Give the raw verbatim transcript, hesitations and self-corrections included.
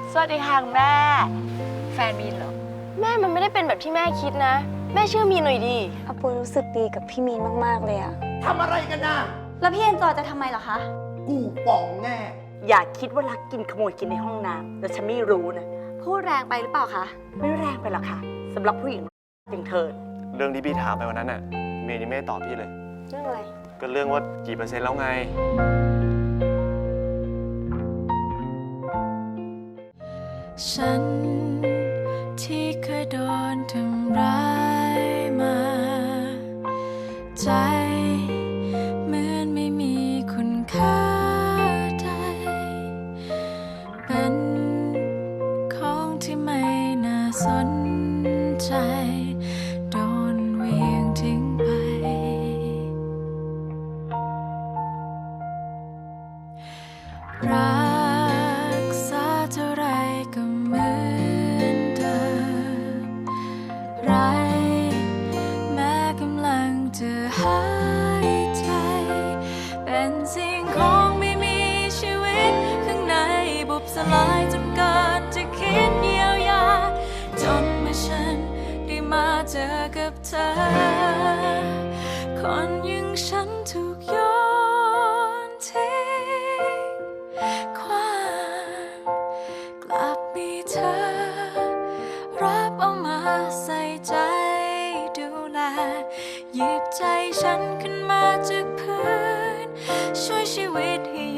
สวัสดีค่ะแม่แฟนมีนเหรอแม่มันไม่ได้เป็นแบบที่แม่คิดนะแม่เชื่อมีนหน่อยดิอาปุยรู้สึกดีกับพี่มีนมากๆเลยอะทำอะไรกันนะแล้วพี่เอ็นจอยจะทำไมเหรอคะกูป่องแน่อย่าคิดว่ารักกินขโมยกินในห้องน้ำแต่ฉันไม่รู้นะพูดแรงไปหรือเปล่าคะไม่แรงไปหรอกค่ะสำหรับผู้หญิงอย่างเธอเรื่องที่พี่ถามไปวันนั้นน่ะเมย์นี่ไม่ตอบพี่เลยเรื่องอะไรก็เรื่องว่ากี่เปอร์เซ็นต์แล้วไงฉันที่เคยโดนทำร้ายมาใจเหมือนไม่มีคุณค่าใดเป็นของที่ไม่น่าสนใจโดนเหวี่ยงทิ้งไปรักษาเท่าไรก็เหมือนเดิมไรแม้กำลังจะหายใจเป็นสิ่งของไม่มีชีวิตข้างในบุบสลายจนเกิดจะคิดเยียวยาจนเมื่อฉันได้มาเจอกับเธอคนอย่างฉันถูกโยนทิ้งกลับมีเธอรับเอามาใส่ใจดูแลหยิบใจฉันขึ้นมาจากพื้นช่วยชีวิตให้